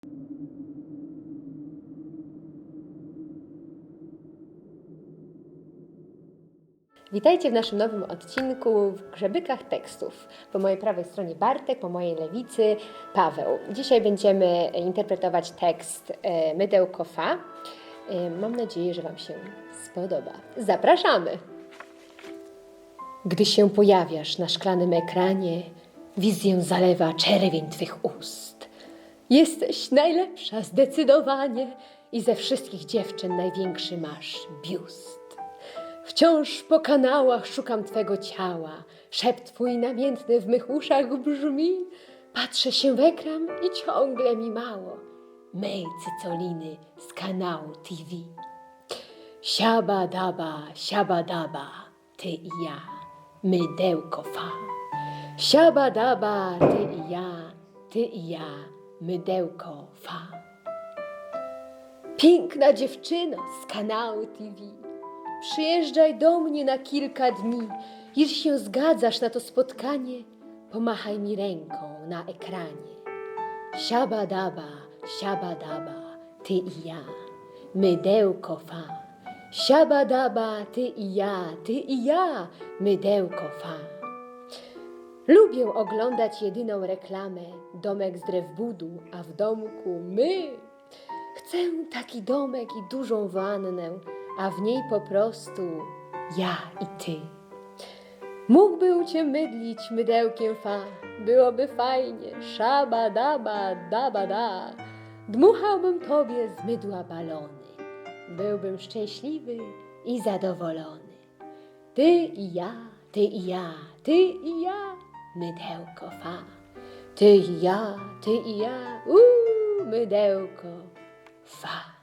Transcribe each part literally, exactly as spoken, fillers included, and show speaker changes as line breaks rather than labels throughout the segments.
Witajcie w naszym nowym odcinku w Grzebykach Tekstów. Po mojej prawej stronie Bartek, po mojej lewicy Paweł. Dzisiaj będziemy interpretować tekst Mydełko Fa. Mam nadzieję, że Wam się spodoba. Zapraszamy! Gdy się pojawiasz na szklanym ekranie, wizję zalewa czerwień Twych ust. Jesteś najlepsza zdecydowanie i ze wszystkich dziewczyn największy masz biust. Wciąż po kanałach szukam Twego ciała, szept Twój namiętny w mych uszach brzmi. Patrzę się w ekran i ciągle mi mało mej cycoliny z kanału T V. Siaba daba, siaba daba, Ty i ja, mydełko fa. Siaba daba, Ty i ja, Ty i ja, mydełko fa. Piękna dziewczyno z kanału T V. Przyjeżdżaj do mnie na kilka dni. Jeśli się zgadzasz na to spotkanie, pomachaj mi ręką na ekranie. Siaba daba, siaba daba, Ty i ja, mydełko fa. Siaba daba, Ty i ja, Ty i ja, mydełko fa. Lubię oglądać jedyną reklamę, domek z drew budu, a w domku my. Chcę taki domek i dużą wannę, a w niej po prostu ja i Ty. Mógłbym Cię mydlić mydełkiem fa, byłoby fajnie, szaba daba daba da. Dmuchałbym Tobie z mydła balony, byłbym szczęśliwy i zadowolony. Ty i ja, Ty i ja, Ty i ja, mydełko fa. Ty i ja, Ty i ja, uuu, mydełko fa.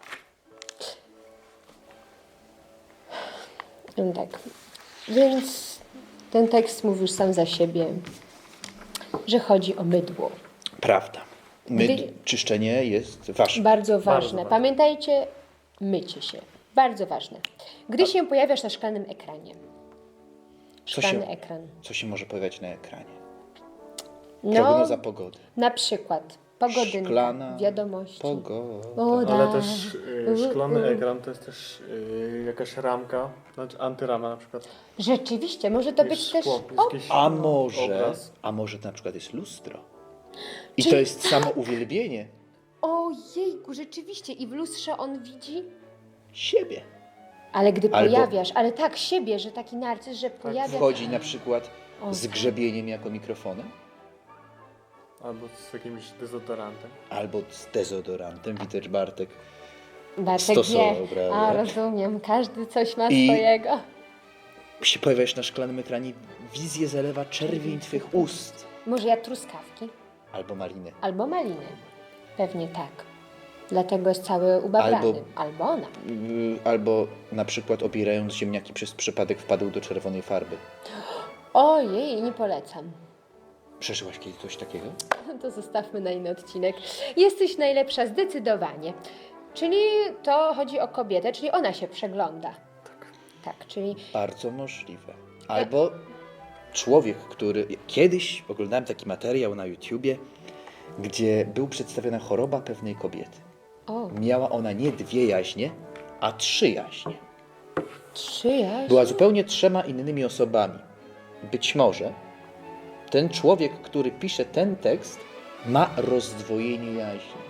No tak, więc ten tekst mówi już sam za siebie, że chodzi o mydło.
Prawda. Myd,
Gdy...
Czyszczenie jest ważne.
Bardzo ważne.
Bardzo ważne.
Pamiętajcie, mycie się. Bardzo ważne. Gdy się pojawiasz na szklanym ekranie.
Co
Szklany
się,
ekran.
co się może pojawiać na ekranie?
No,
Prognoza pogody.
na przykład pogodynka,
Szklana
wiadomości.
pogoda.
Woda.
Ale też y, szklany
U, u.
ekran to jest też y, jakaś ramka, znaczy antyrama na przykład.
Rzeczywiście, może to
Jest
być też...
szkło, jest
O,
jakiś
A
no,
może,
obraz.
a może na przykład jest lustro. I
Czyli-
to jest samo uwielbienie
ojejku, rzeczywiście. I w lustrze on widzi...
siebie.
Ale gdy
Albo-
pojawiasz, ale tak siebie, że taki narcyz, że pojawia...
Wchodzi na przykład
O,
z
tak.
grzebieniem jako mikrofonem,
Albo z jakimś dezodorantem.
albo z dezodorantem. Widać, Bartek
Bartek
stosował,
wie.
prawda?
A, rozumiem. Każdy coś ma
I-
swojego.
się pojawiasz na szklanym ekranie, wizję zalewa czerwień Twych ust.
Może ja truskawki?
Albo maliny.
Albo maliny. Pewnie tak. Dlatego jest cały ubawiany.
Albo-
Albo ona.
Yy, Albo na przykład obierając ziemniaki przez przypadek wpadł do czerwonej farby.
Ojej, nie polecam.
Przeżyłaś kiedyś coś takiego?
To zostawmy na inny odcinek. Jesteś najlepsza zdecydowanie. Czyli to chodzi o kobietę, czyli ona się przegląda.
Tak.
Tak, czyli
Bardzo możliwe. Albo człowiek, który... Kiedyś oglądałem taki materiał na YouTubie, gdzie był przedstawiona choroba pewnej kobiety.
o,
Miała ona nie dwie jaźnie, a trzy jaźnie.
czyjaś?
Była zupełnie trzema innymi osobami. Być może ten człowiek, który pisze ten tekst, ma rozdwojenie jaźni.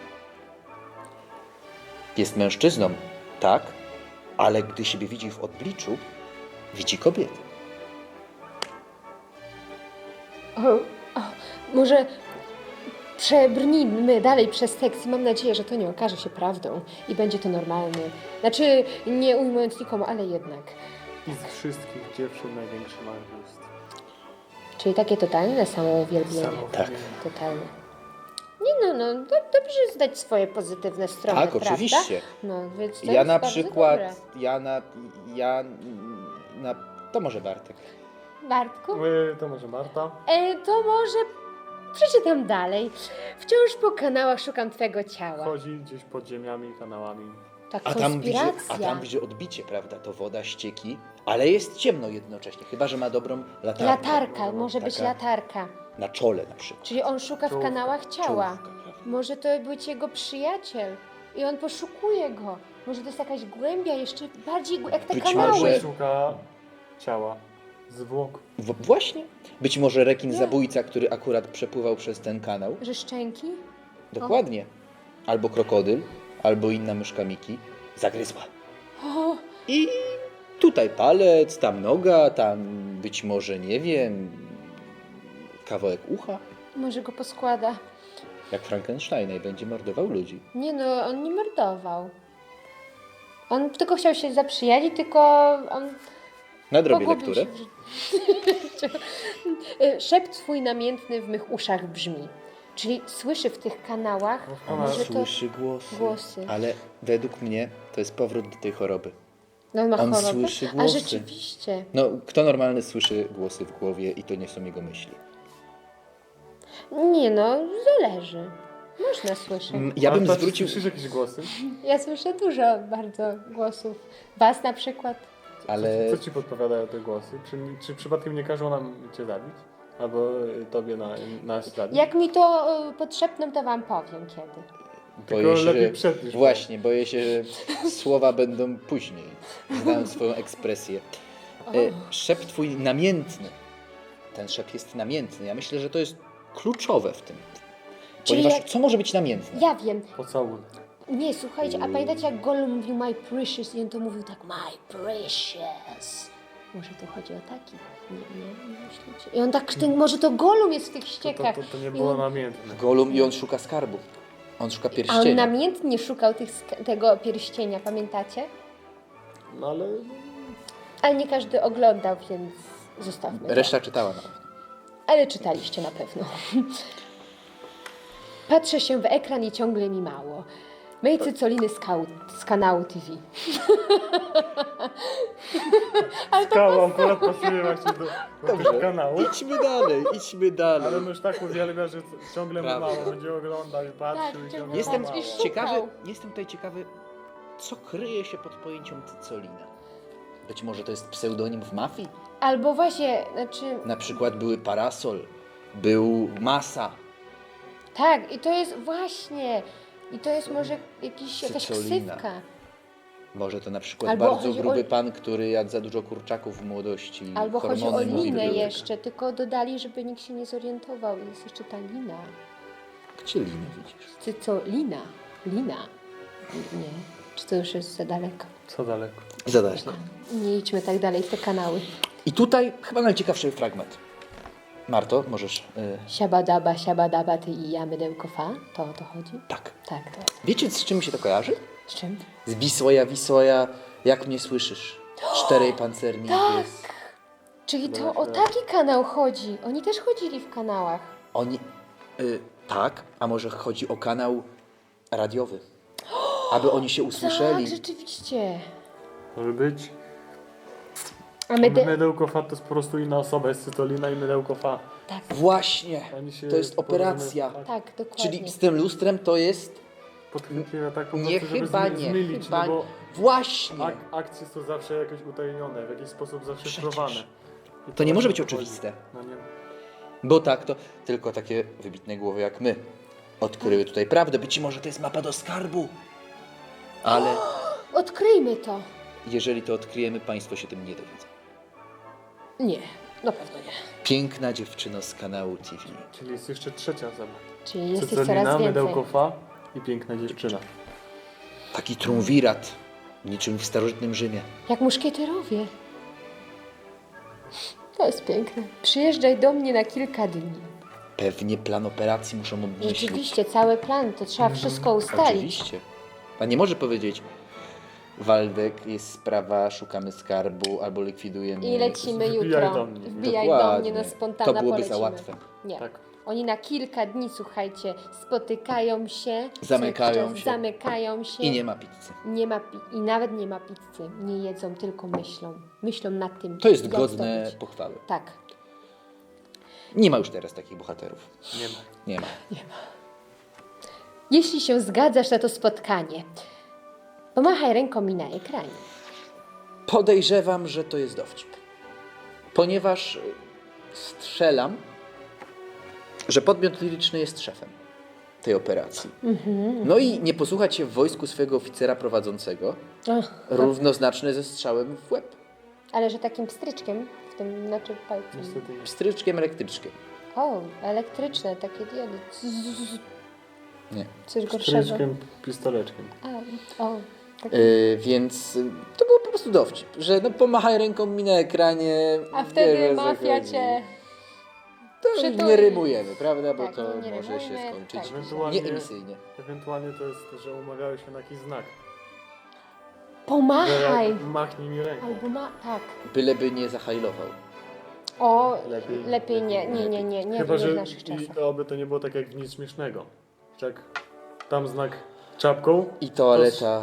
Jest mężczyzną, tak, ale gdy siebie widzi w odbliczu, widzi kobietę.
O, o, może przebrnijmy dalej przez tekst i mam nadzieję, że to nie okaże się prawdą i będzie to normalny. Znaczy, nie ujmując nikomu, ale jednak.
I z wszystkich dziewczyn największy ma biust.
Czyli takie totalne samouwielbienie.
Samo
Tak.
Totalne. Nie no, no, do, dobrze zdać swoje pozytywne strony,
Tak,
prawda?
oczywiście.
No, więc to
Ja
jest
na
bardzo
przykład,
dobre.
ja na, ja na, to może Bartek.
Bartku?
Y, to może Marta.
E, to może przeczytam dalej. Wciąż po kanałach szukam Twego ciała.
Chodzi gdzieś pod ziemiami, kanałami.
Tak,
A tam, widzi,
konspiracja.
a tam widzi odbicie, prawda? To woda, ścieki, ale jest ciemno jednocześnie, chyba że ma dobrą latarkę.
Latarka, może być
Taka-
latarka.
Na czole na przykład.
Czyli on szuka w
Czołówka.
kanałach ciała.
Czołówka, prawda?
Może to być jego przyjaciel i on poszukuje go. Może to jest jakaś głębia jeszcze bardziej głę- jak te
Być
kanały.
może-
Szuka ciała, zwłok.
W- właśnie. Być może rekin zabójca, który akurat przepływał przez ten kanał.
Że szczęki?
Dokładnie. Albo krokodyl, albo inna myszka Miki zagryzła.
O,
I tutaj palec, tam noga, tam być może, nie wiem, kawałek ucha.
może go poskłada.
Jak Frankensteina i będzie mordował ludzi.
Nie no, on nie mordował. On tylko chciał się zaprzyjaźnić, tylko on
Nadrobię
pogubił
lekturę.
się w życiu. Y, Szept twój namiętny w mych uszach brzmi. Czyli słyszy w tych kanałach,
No,
On
może to...
słyszy głosy.
głosy.
Ale według mnie to jest powrót do tej choroby.
No, on ma
On
chorobę?
słyszy
A
głosy.
rzeczywiście.
No, kto normalny słyszy głosy w głowie i to nie są jego myśli?
Nie no, zależy. Można słyszeć.
Mm, Ja
Ale
bym
to, czy
zwrócił...
Słyszysz jakieś głosy?
Ja słyszę dużo bardzo głosów. Was na przykład.
Ale
Co, co ci podpowiadają te głosy? Czy, czy przypadkiem nie każą nam cię zabić? Albo y, tobie na, nas zabić?
Jak mi to y, podszepną, to wam powiem kiedy.
Tylko
się,
lepiej
że...
przed niż po.
Właśnie, boję się, że słowa będą później. Znam swoją ekspresję. E, Szept twój namiętny. Ten szept jest namiętny. Ja myślę, że to jest kluczowe w tym.
Czyli
Ponieważ
jak-
co może być namiętne?
Ja wiem.
Pocałunek.
Nie, słuchajcie, a pamiętacie jak Gollum mówił my precious i on to mówił tak my precious. Może to chodzi o taki? Nie, nie, nie myślicie? I on tak, ten, może to Gollum jest w tych
To,
ściekach.
to, to, to nie
I
było
on-
namiętne.
Golum i on szuka skarbu. On szuka
A on
pierścienia.
namiętnie szukał tych, sk- tego pierścienia, pamiętacie?
No ale...
Ale nie każdy oglądał, więc zostawmy to.
Reszta czytała na pewno.
Ale czytaliście na pewno. Patrzę się w ekran i ciągle mi mało. Mej cycoliny z, kał- z kanału T V.
Skała akurat pasuje właśnie do, do tego kanału.
Idźmy dalej, idźmy dalej.
Ale on już tak uwielbia, że c- ciągle mu
Prawda.
mało. Będzie oglądał i patrzył
Tak,
i
ciągle
ciągle
Jestem
mu
I
mało.
szukał.
ciekawy, jestem tutaj ciekawy, co kryje się pod pojęciem cycolina. Być może to jest pseudonim w mafii?
Albo właśnie, znaczy,
Na przykład były parasol, był masa,
tak, i to jest właśnie, i to jest może jakiś, jakaś
Cycolina.
ksywka.
może to na przykład
Albo
bardzo
chodzi o-
gruby pan, który jadł za dużo kurczaków w młodości.
Albo chodzi o
hormony mu
linę
zbyły.
jeszcze, tylko dodali, żeby nikt się nie zorientował. Jest jeszcze ta lina.
Gdzie linę widzisz?
Ty co, lina? Lina? Nie. Czy to już jest za daleko?
Co daleko?
Zadać.
Nie idźmy tak dalej w te kanały.
I tutaj chyba najciekawszy fragment. Marto, możesz... y,
Siabadaba, siabadaba, ty i ja, mydełko fa? To o to chodzi?
tak.
Tak, to jest.
Wiecie, z czym mi się to kojarzy?
Z czym?
Z Wisłoja, Wisłoja, jak mnie słyszysz? Czterej pancerni
Tak!
jest.
Czyli to
Właśnie.
o taki kanał chodzi. Oni też chodzili w kanałach.
Oni... Y, tak, a może chodzi o kanał radiowy. Aby oni się usłyszeli.
Tak, rzeczywiście.
Może być.
A
My
myde...
mydełko fa to jest po prostu inna osoba. Jest cytolina i mydełko fa.
Tak,
Właśnie,
Oni się
to jest
porozumieją-
operacja.
tak.
tak, dokładnie.
Czyli z tym lustrem to jest...
Podchwytliwe tak po
Nie,
prostu, żeby
chyba
zmy-
nie,
zmylić,
chyba
no bo
Właśnie.
ak- akcje są zawsze jakoś utajnione, w jakiś sposób zaszyfrowane.
Przecież.
I
To nie może być
o to chodzi.
oczywiste.
No nie.
Bo tak, to tylko takie wybitne głowy jak my odkryły tutaj prawdę. Być może to jest mapa do skarbu. Ale
Odkryjmy to.
jeżeli to odkryjemy, państwo się tym nie dowiedzą.
Nie, na pewno nie.
Piękna dziewczyno z kanału T V.
Czyli jest jeszcze trzecia osoba.
Czyli jest ich
Cycolina,
coraz więcej.
mydełko fa i piękna dziewczyna.
Taki triumvirat, niczym w starożytnym Rzymie.
Jak muszkieterowie. To jest piękne. Przyjeżdżaj do mnie na kilka dni.
Pewnie plan operacji muszą obmyślić.
Rzeczywiście, cały plan, to trzeba wszystko ustalić.
Oczywiście. Pan nie może powiedzieć, Waldek, jest sprawa, szukamy skarbu albo likwidujemy.
I lecimy
Wbijaj
jutro.
do mnie.
Wbijaj do
Dokładnie.
mnie na spontana,
To byłoby
polecimy.
za łatwe.
Nie.
Tak.
Oni na kilka dni, słuchajcie, spotykają się,
Zamykają
co
się.
zamykają się
I nie ma pizzy.
nie ma pi- i nawet nie ma pizzy. Nie jedzą, tylko myślą. Myślą nad tym.
To jest
jak
godne
zdobyć.
pochwały.
Tak.
Nie ma już teraz takich bohaterów.
Nie ma.
Nie ma.
Jeśli się zgadzasz na to spotkanie, pomachaj ręką mi na ekranie.
Podejrzewam, że to jest dowcip. Ponieważ y, strzelam, że podmiot liryczny jest szefem tej operacji. No i nie posłuchać się w wojsku swojego oficera prowadzącego,
Ach,
równoznaczne ze strzałem w łeb.
ale że takim pstryczkiem, w tym, znaczy palcem.
Niestety nie.
Pstryczkiem elektryczkiem.
O, elektryczne, takie diody. Zzz,
Nie.
coś gorszego.
Stryczkiem, pistoleczkiem.
A, o, tak.
Yy, więc y, to był po prostu dowcip, że no pomachaj ręką mi na ekranie.
A wtedy
wiesz, o co
mafia
chodzi.
cię...
To
przytuli.
nie rymujemy, prawda? Bo
Tak,
to
no nie
może się
rymujmy,
skończyć
tak.
Ewentualnie-
nieemisyjnie.
Ewentualnie to jest, że umawiałeś się na jakiś znak. Że
Pomachaj!
jak machnij mi ręką.
Albo ma... tak.
Byleby nie zahajlował.
O,
Lepiej-
lepiej, nie,
lepiej-
nie, nie, nie, nie,
Chyba,
nie
że
w naszych
i
czasach.
oby to nie było tak jak w nic śmiesznego. Że jak tam znak czapką.
I toaleta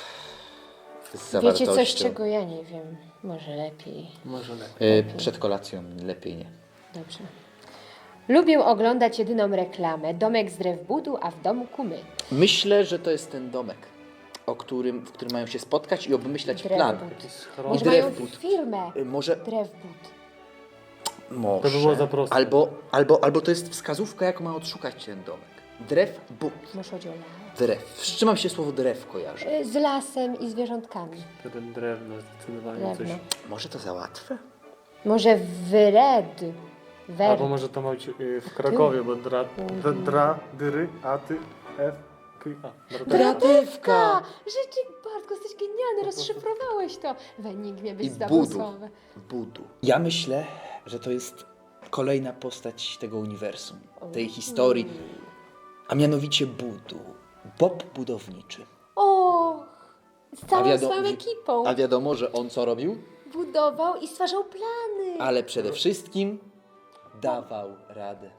z
Wiecie
zawartością.
coś, czego ja nie wiem? Może lepiej.
Może lepiej.
Yy, przed kolacją lepiej nie.
Dobrze. Lubię oglądać jedyną reklamę. Domek z drew budu, a w domku my.
Myślę, że to jest ten domek, o którym, w którym mają się spotkać i obmyślać
Drew
plan.
but.
Jakiś schron.
Może
drew
mają
but.
firmę
Yy, Może,
drew but.
może.
To by było za proste.
Albo, albo, albo to jest wskazówka, jaką ma odszukać ten domek. Drew, but.
Może chodzi o las.
Drew. Z czym mam się słowo drew kojarzy?
Y, Z lasem i zwierzątkami.
Ten drewno zdecydowanie coś.
Drewno.
Może to za łatwe?
Może wred. Wer.
Albo może to ma być y, w Krakowie, bo dra, dra, dra dyry, a ty, f, k, a. Dra,
Dratywka! Rzeczy, Bartku, jesteś genialny, rozszyfrowałeś to. W enigmie byś
I
zdobył
budu.
słowę.
Budu. Ja myślę, że to jest kolejna postać tego uniwersum, tej historii, a mianowicie Budu. Bob budowniczy.
O, z całą
wiado-
swoją
wi-
ekipą.
A wiadomo, że on co robił?
Budował i stwarzał plany.
Ale przede wszystkim dawał radę.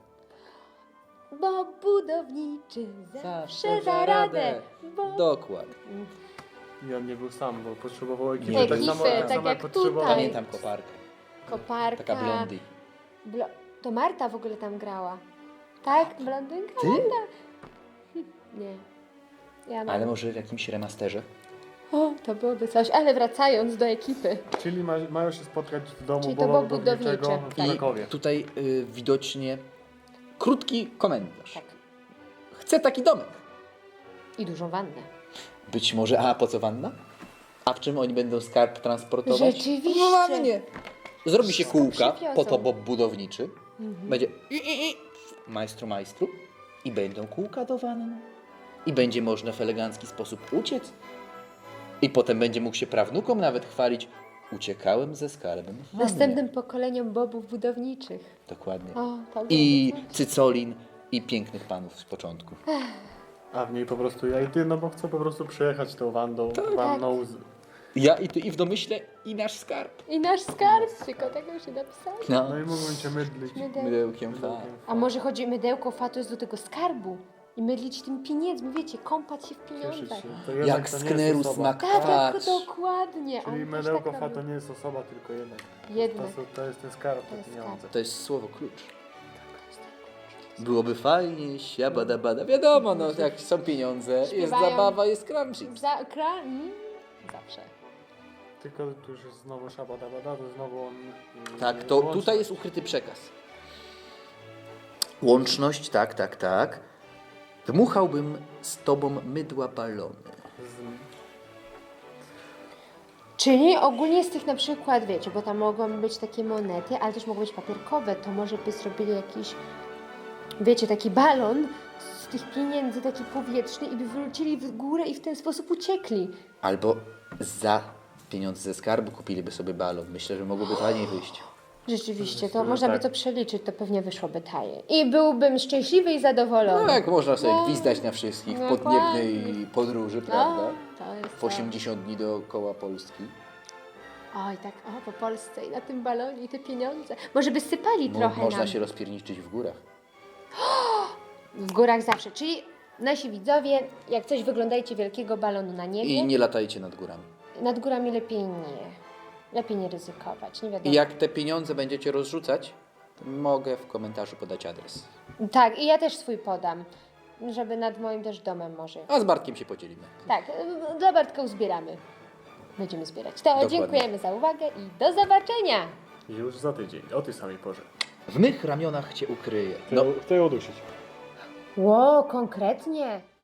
Bo budowniczy zawsze da radę. Bo...
Dokładnie.
I on nie był sam, bo potrzebował ekipy.
Nie
tak
był.
samo,
Ekipy,
tak
tak
samo
jak
potrzebował.
tutaj.
Pamiętam koparkę.
Koparka.
Taka blondy.
Blo... To Marta w ogóle tam grała. Tak? Blondynka?
Ty?
Nie. Ja mam.
Ale może w jakimś remasterze?
O, to byłoby coś. Ale wracając do ekipy.
Czyli ma, mają się spotkać w domu
Czyli to
Boba
było
Budowniczego
budownicze,
w
tak.
Krakowie.
I tutaj y, widocznie krótki komentarz.
Tak.
Chcę taki domek.
I dużą wannę.
Być może, a po co wanna? A w czym oni będą skarb transportować?
Rzeczywiście.
W wannie. Zrobi się
Wszystko
kółka,
przywiozą.
po to Bob budowniczy.
Mhm.
Będzie i, i, i, majstru, majstru. I będą kółka do wanny. I będzie można w elegancki sposób uciec. I potem będzie mógł się prawnukom nawet chwalić. Uciekałem ze skarbem w wannie.
Następnym pokoleniom bobów budowniczych.
Dokładnie.
O, to
I
byłoby coś.
cycolin, i pięknych panów z początku.
A w niej po prostu ja i ty, no bo chcę po prostu przejechać tą wandą,
Tak.
wanną z...
Ja i ty, i w domyśle, i nasz skarb.
I nasz skarb, tylko tego już nie napisałam.
No,
No i mógłbym cię mydlić.
Mydeł.
mydełkiem fa.
A może chodzi mydełko fa to jest do tego skarbu i mydlić tym pieniędzmi, wiecie, kąpać się w
Cieszyć
pieniądzach.
się. To jednak
Jak
to nie
skneru
jest osoba.
Tak, jak,
smakwacz.
dokładnie.
Czyli
On też
mydełko
tak
fa
robił.
to nie jest osoba, tylko jednak.
Jednak.
To, są- to jest ten skarb,
To
te
jest
pieniądze.
To jest słowo klucz. Byłoby fajnie, siabada bada. Wiadomo, no jak są pieniądze, jest
Śpiewają.
zabawa, jest crunching.
Za, kra... mm, zawsze.
Tylko tu już jest znowu szabada bada, to znowu on... yy,
Tak, to
łączy-
tutaj jest ukryty przekaz. Łączność, tak, tak, tak. Dmuchałbym z tobą mydła balony.
Z...
Czyli ogólnie z tych na przykład, wiecie, bo tam mogą być takie monety, ale też mogą być papierkowe, to może by zrobili jakiś, wiecie, taki balon z tych pieniędzy, taki powietrzny i by wrócili w górę i w ten sposób uciekli.
Albo za pieniądze ze skarbu kupiliby sobie balon. Myślę, że mogłoby taniej wyjść.
Rzeczywiście, to
Myślę, że
można by
tak.
to przeliczyć, to pewnie wyszłoby taniej. I byłbym szczęśliwy i zadowolony.
No jak można sobie
No.
gwizdać na wszystkich w
Dokładnie.
podniebnej podróży, prawda?
No, to jest
W
to.
osiemdziesiąt dni dookoła Polski.
Oj, tak, o, po Polsce i na tym balonie i te pieniądze. Może by sypali
Mo-
trochę
można
nam.
się rozpierniczyć w górach.
W górach zawsze, czyli nasi widzowie, jak coś wyglądajcie wielkiego balonu na niebie,
I nie latajcie nad górami.
nad górami lepiej nie. Lepiej nie ryzykować, nie wiadomo.
I jak te pieniądze będziecie rozrzucać, to mogę w komentarzu podać adres.
Tak, i ja też swój podam, żeby nad moim też domem może.
A z Bartkiem się podzielimy.
Tak, y, dla Bartka uzbieramy. Będziemy zbierać. To
Dokładnie.
dziękujemy za uwagę i do zobaczenia!
Już za tydzień, o tej samej porze.
W mych ramionach cię ukryję.
Chcę,
No,
chcę ją udusić.
Ło, konkretnie?